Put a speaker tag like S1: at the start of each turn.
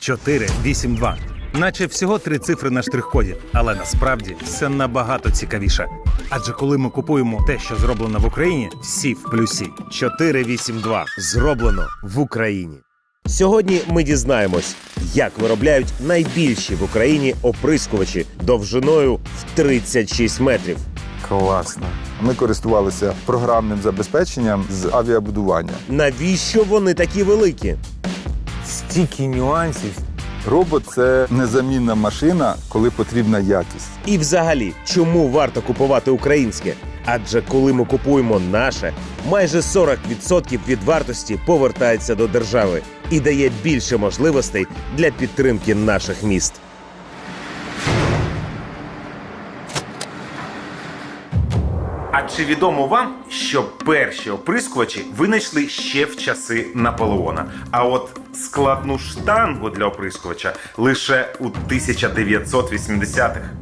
S1: 482. Наче всього 3 цифри на штрих-коді, але насправді все набагато цікавіше. Адже коли ми купуємо те, що зроблено в Україні, всі в плюсі.
S2: 482. Зроблено в Україні. Сьогодні ми дізнаємось, як виробляють найбільші в Україні оприскувачі довжиною в 36 метрів.
S3: Класно. Ми користувалися програмним забезпеченням з авіабудування.
S2: Навіщо вони такі великі?
S1: Стільки нюансів.
S3: Робот – це незамінна машина, коли потрібна якість.
S2: І взагалі, чому варто купувати українське? Адже коли ми купуємо наше, майже 40% від вартості повертається до держави і дає більше можливостей для підтримки наших міст.
S1: А чи відомо вам, що перші оприскувачі винайшли ще в часи Наполеона? А от складну штангу для оприскувача лише у 1980-х.